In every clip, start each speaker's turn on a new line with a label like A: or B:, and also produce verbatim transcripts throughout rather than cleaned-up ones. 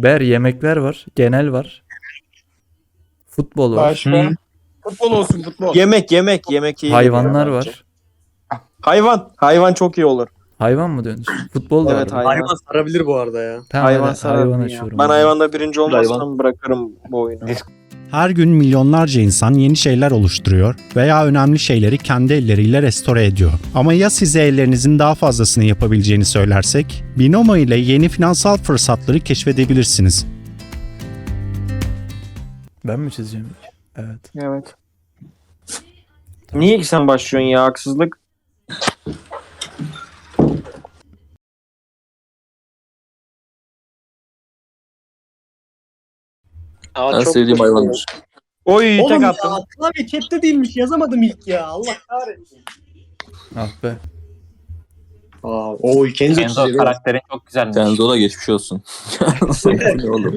A: Ber yemekler var. Genel var. Futbol var.
B: Başka?
C: Hı.
B: Futbol olsun futbol.
C: Yemek yemek yemek iyi
A: Hayvanlar
C: geliyor bence.
A: var.
C: Hayvan. Hayvan çok iyi olur.
A: Hayvan mı diyorsunuz? Futbol da
C: Evet
A: var.
C: hayvan.
B: Hayvan sarabilir bu arada ya.
A: Tamam,
C: hayvan
A: hayvan,
C: sarar
A: hayvan
C: mı ya?
A: açıyorum.
C: Ben
A: hadi.
C: hayvanda birinci olmazsam
D: Hayvan.
C: bırakırım bu oyunu.
E: Her gün milyonlarca insan yeni şeyler oluşturuyor veya önemli şeyleri kendi elleriyle restore ediyor. Ama ya size ellerinizin daha fazlasını yapabileceğini söylersek? Binomo ile yeni finansal fırsatları keşfedebilirsiniz.
A: Ben mi çizeceğim ilk? Evet.
C: Evet. Niye ki sen başlıyorsun ya haksızlık?
F: Aa,
D: En
F: çok
D: sevdiğim
F: hoş.
D: hayvandır.
C: Oy
B: Oğlum
C: tek
B: ya
C: attım.
B: klavye chatte değilmiş yazamadım ilk ya. Allah kahretsin.
A: Ah be.
B: Aa, o Kenzo
G: Kenzo
B: çiziyor.
G: karakterin çok güzelmiş.
D: Kenzo da geçmiş olsun. Ne oğlum?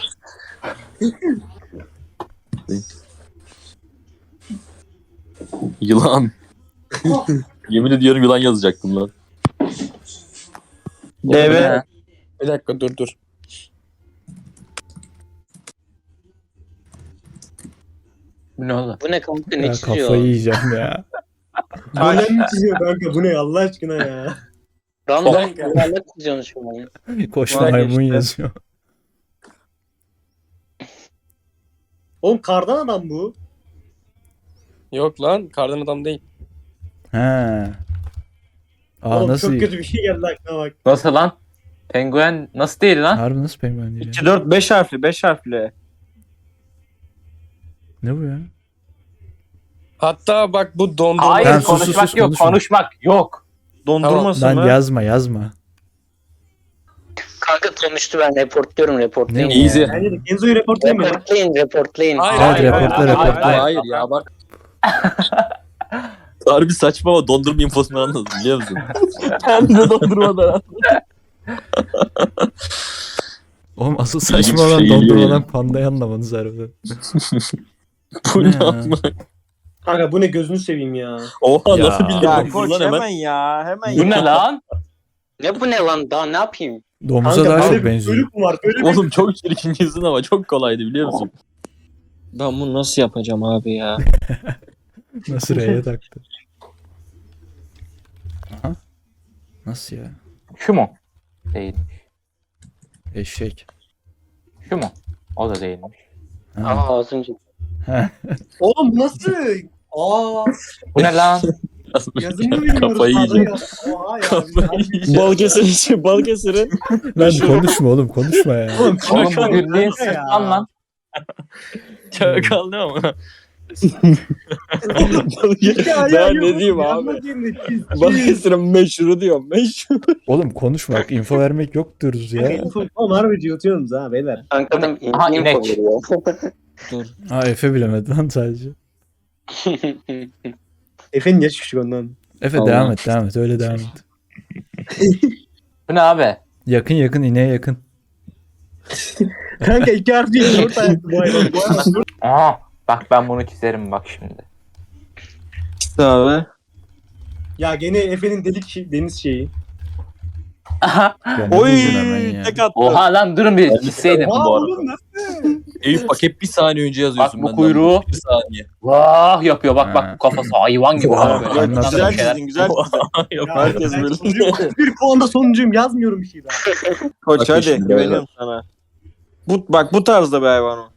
D: Yılan. Yemin ediyorum yılan yazacaktım lan.
C: Deve.
B: Bir dakika dur dur.
G: Bu ne oldu?
F: Bu ne kanka ne
A: Ya
F: çiziyor?
A: kafayı yiyeceğim ya.
B: Taş mı çiziyor kanka bu ne Allah aşkına ya.
F: Random yuvarlak çiziyorsun şu an.
A: Koş
C: Vay
A: maymun
C: işte.
A: yazıyor.
B: Oğlum kardan adam bu.
H: Yok lan kardan adam değil.
A: He. Aa
B: Oğlum
A: nasıl?
B: çok kötü bir şey geldi aklına bak.
G: Nasıl lan? Penguen nasıl değil lan?
A: Harbi nasıl penguen değil ya?
C: iki dört beş harfli beş harfli.
A: Ne bu ya?
H: Hatta bak bu dondurma.
G: Hayır
A: Ben sus, sus,
G: konuşmak
A: sus,
G: yok
A: konuşma.
G: konuşmak yok.
C: Dondurması
A: Lan
C: mı?
A: yazma yazma.
F: Kanka konuştu ben reportluyorum reportlayın.
A: Ne
F: ya.
D: Easy.
B: Bence de Kenzo'yu reportlayayım mı?
F: Reportlayın reportlayın.
H: Hayır,
A: Evet,
H: hayır,
A: reportla,
H: hayır, hayır,
A: reportla.
H: hayır.
D: Hayır ya bak. Harbi saçma ama dondurma infosunu anladım biliyor musun? Kendi dondurmadan.
A: Oğlum asıl
D: İlginç
A: saçma
D: bir
A: olan
D: şey geliyor
A: dondurmadan
D: yani.
A: pandayı anlamanız harbiden.
D: Bu
A: Ne
D: ne
A: ya?
D: amına?
B: Kanka bu ne gözünü seveyim ya.
D: Oha
A: Ya.
D: nasıl bildin
C: Ya
D: lan
C: koç
D: lan
C: hemen.
D: hemen?
C: ya hemen
G: Bu
C: ya.
G: ne lan?
F: Ne bu ne lan daha ne yapayım?
A: Domuza
B: Kanka
A: daha
B: böyle
A: çok
B: bir
A: benziyor.
B: bölük mü var? Böyle bir
D: Oğlum çok çirkin yüzün ama çok kolaydı biliyor musun?
H: Ben bunu nasıl yapacağım abi ya?
A: Nasıl R'ye taktı? Aha. Nasıl ya?
G: Şu mu? Değil.
A: Eşek.
G: Şu mu? O da değilmiş.
A: Ha.
F: Aa az önce.
A: Ha.
B: Oğlum bu nasıl? Aa
G: Bu ne lan?
B: yazımını bilmiyoruz.
D: Kafayı
B: Pardon
D: yiyeceğim.
B: ya. Oha ya.
D: Kafayı yiyeceğim.
H: Balıkesir, Balıkesir'in.
A: Lan konuşma oğlum konuşma ya.
B: Oğlum
G: Oğlum
B: kanka
G: bu gürleğin
B: kanka ya.
G: sırtlan lan.
D: Çakal ne ama?
B: Ya, ya,
H: Ben
B: ya,
H: ne diyeyim
B: yazma
H: abi?
B: diyeyim de çiz, çiz.
H: Balıkesir'in meşhuru diyorum. Meşhur.
A: Oğlum konuşma. Info vermek yok diyoruz ya.
B: Oğlum harbi yutuyorsunuz ha beyler.
F: Kanka adam
G: Aha,
F: info
G: inek.
F: veriyor.
A: Ha Efe bilemedi lan sadece.
B: Efe'nin yaşı küçük ondan.
A: Efe
D: Allah.
A: devam et devam et öyle devam et.
G: Bu ne abi?
A: Yakın yakın ineğe yakın.
B: Kanka iki harf değil dört harf bu hayvan. Bu hayvan dört-
G: Aha. Bak ben bunu çizerim bak şimdi.
C: İşte abi.
B: Ya gene Efe'nin delik şey, deniz şeyi.
G: Aha.
A: Ya ne
C: Oy
A: buldun hemen ya?
C: tek attım.
G: Oha lan durun bir çizseydim.
B: Aa
D: bu arada.
B: oğlum nasıl?
D: Eyüp bak hep bir saniye önce yazıyorsun.
G: Bak bu
D: benden.
G: kuyruğu.
D: Bir saniye.
G: Vah yapıyor bak
A: Ha.
G: bak bu kafası hayvan gibi.
A: Oha,
G: Böyle.
A: anladım.
G: Ondan sonra
C: Güzel
G: bir şeyler-
C: çizdin güzel çizdin.
D: Yok
B: Ya,
D: herkes
B: ben
D: böyle.
B: sonuncuyum. bir puanda sonuncuyum yazmıyorum bir şey daha.
C: Koç
D: Bak
C: hadi
D: şimdi
C: güveniyorum sana. Bu, bak bu tarzda bir hayvan o.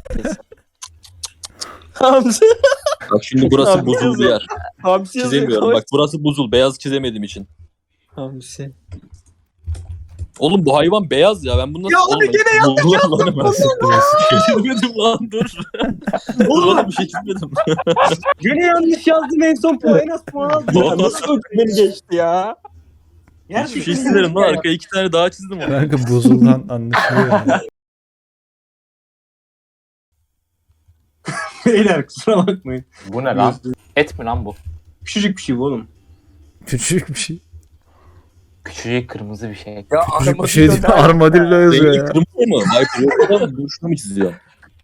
C: Hamsi.
D: Bak şimdi burası
C: Abi,
D: buzul bir
C: yazıyor.
D: yer.
C: Hamsi yazıyor,
D: Çizemiyorum.
C: koç.
D: Bak burası buzul. Beyaz çizemediğim için.
C: Hamsi.
D: Oğlum bu hayvan beyaz ya. Ben bunu nasıl...
B: Ya abi
D: Oğlum,
B: gene
D: yanlış yazdım. Lan hemen.
A: Siktir olsun.
D: Çizmedim lan dur. Dur
B: Oğlum
D: oğlum bir şey çizmedim.
B: gene yanlış yazdım en son puan en az puan aldım. Ya, nasıl beni geçti ya?
D: Bir şey çizerim lan. Arkaya iki tane daha çizdim onu.
A: Kanka buzuldan anlaşılıyor yani.
B: Beyler kusura bakmayın.
G: Bu ne lan? Et mi lan bu?
B: Küçücük bir şey bu oğlum.
A: Küçük bir şey.
G: Küçücük kırmızı bir şey.
H: Ya
A: Küçük bir şey değil. Armadillo yazıyor
D: Rengi
A: ya.
D: kırmızı mı? Hayır. Yoksa boşuna mı çiziyor?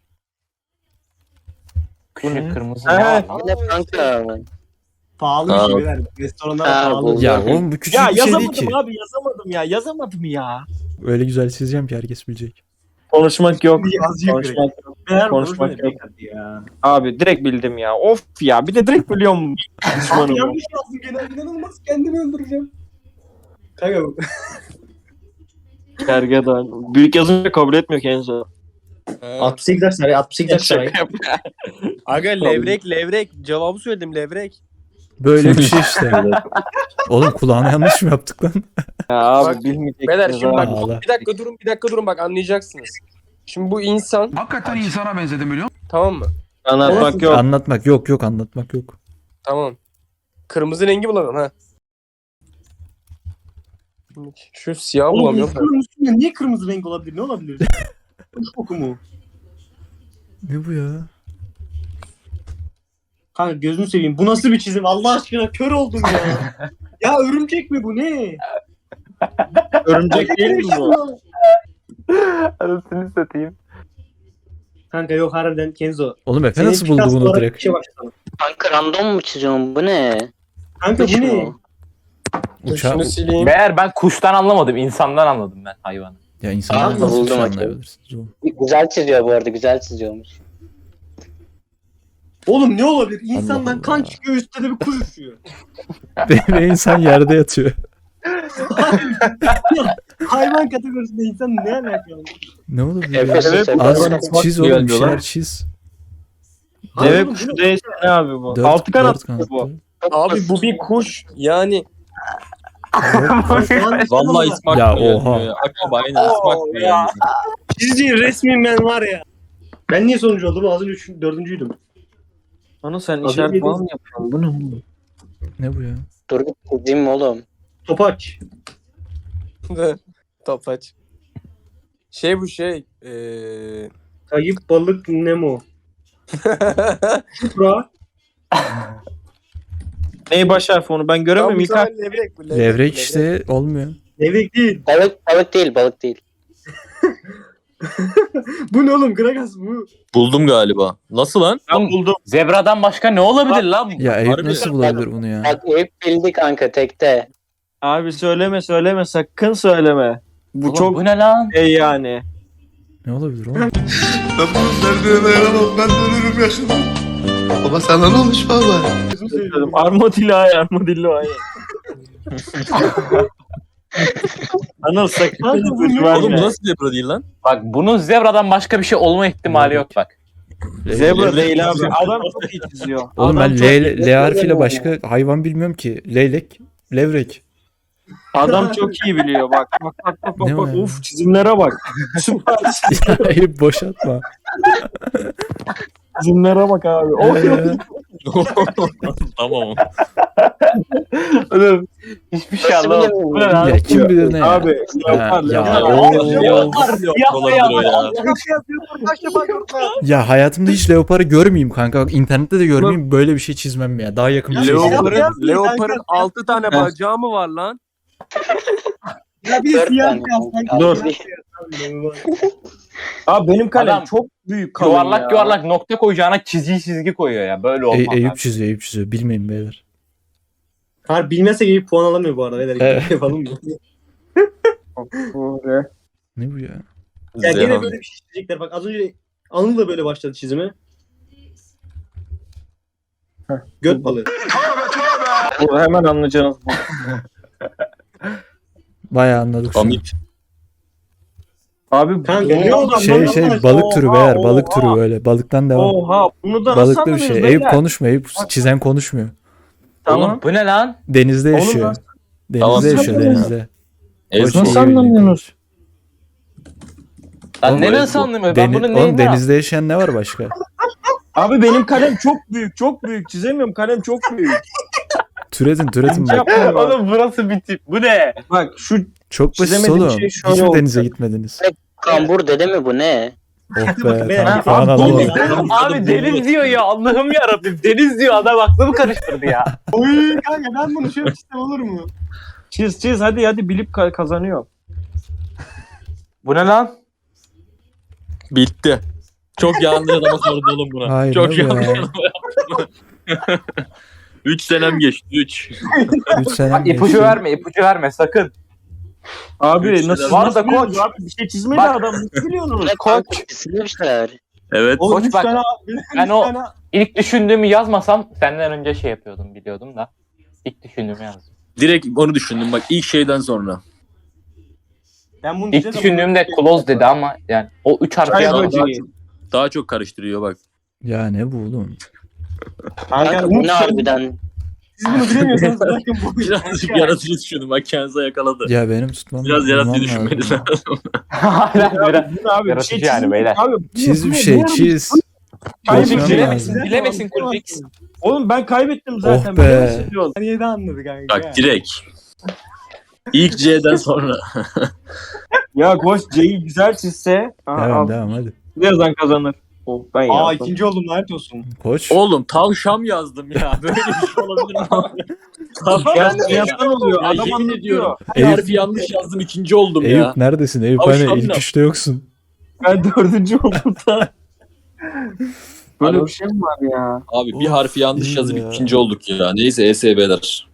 G: Küçücük kırmızı
C: Ha.
G: ne var lan?
F: Bu ne kanka?
B: Pahalı bir
D: Aa.
B: şey beyler. Restoranlar
F: Ha,
B: pahalı.
F: bu-
A: Ya oğlum bu küçük
C: Ya
A: bir şey değil
C: yazamadım
A: ki.
C: abi yazamadım ya yazamadım ya.
A: Öyle güzel çizeceğim ki herkes bilecek.
C: Konuşmak yok.
B: Azıcık
C: Konuşmak yok.
B: Meğer
C: konuşmak
B: konuşmak
C: yok.
B: yok. Ya.
C: Abi direkt bildim ya. Of ya. Bir de direkt biliyorum.
B: Abi
C: Düşmanım.
B: yanlış yazdım gene. İnanılmaz kendimi öldüreceğim. Kanka bu.
C: Gergedan. Büyük yazınca kabul etmiyor Kenzo.
B: altmış sekiz yaş saray. altmış sekiz yaş saray.
H: Aga levrek levrek. Cevabı söyledim levrek.
A: Böyle bir şey işte. Oğlum kulağına yanlış mı yaptık lan?
C: Ya abi
H: Bak,
C: bilmeyeceksiniz
H: Beyler şimdi bak
C: abi.
A: Ağla.
H: bir dakika durun bir dakika durun bak anlayacaksınız. Şimdi bu insan
I: Hakikaten insana benzedim biliyor musun?
H: tamam mı?
C: Anlatmak yok.
A: Anlatmak yok yok anlatmak yok.
H: Tamam. Kırmızı rengi bulalım ha. Şu siyah
B: Oğlum
H: bulamıyorum.
B: insanın üstünde niye kırmızı renk olabilir? Ne olabilir? Kuş koku mu?
A: Ne bu ya?
B: Kanka gözünü seveyim. Bu nasıl bir çizim? Allah aşkına kör oldum ya. Ya örümcek mi bu ne?
C: Örümcek değil mi bu?
G: Anasını satayım.
B: Kanka yok harbiden Kenzo.
A: Oğlum Efe
B: Senin
A: nasıl buldu
B: Picasso
A: bunu
B: olarak
A: direkt?
B: bir şey başlatalım.
F: Kanka random mu çiziyorsun? Bu ne?
B: Kanka bu
F: Kuş
B: ne?
F: mu?
A: Uça
H: Şunu sileyim.
G: Meğer ben kuştan anlamadım. İnsandan anladım ben hayvanı.
A: ya insanlar
F: Aa,
A: nasıl bir
F: buldum
A: şey
F: hocam.
A: anlayabilirsiniz oğlum?
F: Güzel çiziyor bu arada. Güzel çiziyormuş.
B: Oğlum ne olabilir? İnsandan
A: Allah
B: kan
A: Allah.
B: çıkıyor üstte de bir kuş uçuyor.
A: Ve insan yerde yatıyor.
B: Hayvan kategorisinde insan ne alakalı?
A: Ne olabilir ya?
F: Efes
C: Evet,
F: Efes.
A: Az
C: Hayvan
A: çiz
C: bakmıyor
A: oğlum bir
C: diyorlar.
A: şeyler çiz.
B: Hayır
C: Deve
B: oğlum,
C: kuşu
B: bu ne?
C: değilse ne abi bu?
A: Dört,
C: Altı kanat
A: dört
C: mı
A: kanatlı.
C: bu?
H: Abi bu bir kuş. Yani
D: Vallahi ismi
A: Ya,
D: aklıma
A: oha.
D: gelmiyor ya. Aklıma aynen ismi aklıma gelmiyor.
B: Çizdiğin resmin ben var ya. Ben niye sonuncu oldum? Az önce üç, dördüncüydüm.
C: Onu sen
B: Az
C: işaret
B: önce
C: falan mı yapıyorsun? Bu ne oğlum?
A: Ne bu ya?
F: Dur bir çizeyim mi oğlum?
B: Topaç.
H: Topaç. Şey bu şey. Eee...
B: Kayıp balık Nemo. Supra.
C: Neyi baş harfi onu? Ben göremiyorum.
H: Tamam, bu
C: İlk harf.
H: sefer levrek bu.
A: Levrek işte olmuyor.
B: Levrek değil.
F: Balık, balık değil, balık değil.
B: Bu ne oğlum? Gragas bu.
D: Buldum galiba. Nasıl lan?
C: Ben buldum.
G: Zebradan başka ne olabilir lan?
A: Ya Eyüp
D: Harbi
A: nasıl
F: ya.
A: bulabilir bunu ya?
F: Bak Eyüp bildi kanka tekte.
C: Abi söyleme söyleme sakın söyleme. Bu
G: Oğlum,
C: çok
G: bu ne lan?
C: şey yani.
A: Ne olabilir oğlum?
I: Ben bunun derdine dayanamam. Ben ölürüm yaşamam. Baba sana ne olmuş baba?
B: Gözümü seveyim.
C: Armadillo ay armadillo ay. Anıl sakın
B: Kanka bu ne?
C: ipucu
D: Oğlum bu
C: verme.
D: nasıl zebra değil lan?
G: Bak bunun zebradan başka bir şey olma ihtimali yok bak.
C: Zebra değil abi. Adam çok iyi çiziyor.
A: Oğlum
C: Adam
A: ben
C: çok-
A: L, L harfiyle başka hayvan bilmiyorum ki. Leylek, levrek.
C: Adam çok iyi biliyor bak. Bak bak bak bak.
A: Ne o
C: bak.
A: ya?
C: Uf çizimlere bak. Süper
A: Ya Eyüp boşaltma.
C: çizimlere bak abi. Of
A: Ee,
D: Tamam.
G: Oğlum hiçbir şey
F: Nasıl
G: anlamadım.
F: bilemiyorum?
G: Bu ne lan?
A: ya kim bilir ne ya?
C: Abi.
A: Ha,
C: Leopar,
A: ya,
C: leopar.
A: oo.
G: Siyah
D: Olabilir o ya.
A: Ya hayatımda hiç leoparı görmeyeyim kanka. Bak internette de görmeyeyim. Böyle bir şey çizmem ya. Daha yakın bir şey çizmem.
H: Leopar'ın,
B: Yapma,
H: Leopar'ın
B: kanka.
H: altı tane bacağı mı var lan?
B: Ya bir de
F: Dört
B: siyah
F: tane.
B: beyaz.
C: Dur.
B: Dur.
C: Abi benim kalem
G: Adam
C: çok büyük kalem
G: Yuvarlak
C: ya.
G: yuvarlak nokta koyacağına çizgi çizgi koyuyor ya. Böyle olmaz.
A: Ey, Eyüp
G: abi.
A: çiziyor, Eyüp çiziyor. Bilmeyin beyler.
B: Hayır bilmezse gibi puan alamıyor bu arada. Beyler.
A: Evet.
B: Yapalım mı?
A: Ne bu ya?
B: Ya
D: Zehan.
B: gene böyle bir şey çizecekler. Bak az önce Anıl da böyle başladı çizime. Heh, göt balığı.
C: Bu hemen anlayacaksınız. bu.
A: Bayağı anladık şu an.
D: Komik.
C: Abi
B: Kanka
C: bu-
B: ne oldu?
A: Şey şey balık türü beyler. Balık türü böyle. Balıktan devam.
C: Oha bunu da nasıl
A: Balıklı bir
C: anladınız
A: şey.
C: beyler?
A: Eyüp konuşmuyor. Eyüp çizen konuşmuyor.
C: Tamam.
G: Oğlum bu ne lan?
A: Denizde
C: Oğlum
A: yaşıyor.
C: nasıl-
A: Denizde
D: Tamam,
A: yaşıyor
C: sen-
A: denizde.
D: Ezma.
A: O
C: Nasıl
A: şeyi biliyor.
C: anlamıyorsunuz?
G: Lan
A: Oğlum,
G: ne
A: bu-
G: nasıl anlamıyorum?
A: Deni-
G: Ben bunu
A: oğlum
G: neyinden
A: denizde yaşayan ne var başka?
C: Abi benim kalem çok büyük çok büyük çizemiyorum kalem çok büyük.
A: Türetin türetin
C: İnce
A: bak.
C: yapmıyorum abi.
G: Oğlum burası bir tip. Bu ne?
C: Bak şu
A: Çok basit
C: çizemediğim
A: oğlum.
C: şey şöyle
A: Hiç mi
C: oldu.
A: denize gitmediniz?
F: Kambur dede mi bu ne?
A: Oh be
B: be,
A: tamam
B: ha,
A: puan
C: abi,
A: alalım.
G: Abi deniz diyor ya. Allah'ım yarabbim. Deniz diyor. Adam aklımı karıştırdı ya.
B: Oy kanka ben bunu şöyle çizsem olur mu?
C: çiz çiz hadi hadi bilip ka- kazanıyor.
G: Bu ne lan?
D: Bitti. Çok yanlış adama sordu oğlum buna.
A: Hayır
D: Çok
A: ne bu
D: yanlış
A: ya?
D: adama yaptı. Üç senem geçti. Üç.
A: Üç sene
G: Bak ipucu verme. ipucu verme sakın.
C: Abi
D: Üç
C: nasıl,
D: lira.
G: Var
C: nasıl
G: da
C: biliyorsunuz
G: koç.
C: abi? Bir şey çizmedi
G: Bak.
C: adam. Nasıl biliyorsunuz?
F: Ne kanka kesilmişler.
D: Evet.
C: Oğlum
G: Koç
C: üç
G: bak,
C: tane,
G: ben
C: üç
G: o-
C: tane-
G: İlk düşündüğümü yazmasam senden önce şey yapıyordum biliyordum da. İlk düşündüğümü yazdım.
D: Direkt onu düşündüm bak ilk şeyden sonra.
C: Ben bunu
G: İlk
C: diyeceğim ama-
G: düşündüğümde close dedi ama yani o üç harfli
C: Çay
G: adam.
C: böceği.
D: Daha çok karıştırıyor bak.
A: Ya ne bu oğlum?
C: Kanka,
F: Kanka
C: bunu
F: bu ne harbiden?
C: Siz bunu bilemiyorsanız bırakın bu.
D: Birazcık yaratıcı düşündüm bak kendinize yakaladı.
A: Ya benim tutmam
D: Biraz
A: bulmam
D: yaratıcı
A: lazım.
D: düşünmeniz lazım.
G: Hala biraz.
C: Bu ne abi? Bir
G: Yaratıcı
C: şey
G: yani
C: çizin
G: beyler.
C: Abi, bu-
A: Çiz
C: bu
A: bir
C: ne?
A: şey
C: Bu ne?
A: çiz.
C: Kaybettim.
A: Bulmam
G: Bilemesin,
A: lazım.
G: bilemesin Kurfix.
C: Oğlum ben kaybettim zaten.
A: Oh be.
C: bilemesin diyor. Saniyede anladı kanka.
D: Bak direkt. İlk C'den sonra.
C: Ya koş C'yi güzel çizse. Aa,
A: Devam
C: al.
A: devam hadi.
C: Ne yazan kazanır. Oh, ben yazdım.
B: Aa ikinci oldum lanet olsun.
A: Koç.
D: Oğlum tavşam yazdım ya. Böyle bir şey olabilir mi abi? Tavşam
C: Ya
D: ne ya?
C: yaptan oluyor.
D: Ya
C: Adam
D: yemin
C: anlatıyor.
D: ediyorum. Bir
A: Eyüp-
D: harfi yanlış yazdım ikinci oldum ya.
A: Eyüp neredesin? Eyüp
D: Tavşan
A: hani ilk
D: ne?
A: üçte yoksun.
C: Ben dördüncü oldum da. Böyle
D: Alo.
C: bir şey mi var ya?
D: Abi bir harfi yanlış
A: iyi
D: yazıp
A: ya.
D: ikinci olduk ya. Neyse E S B'ler.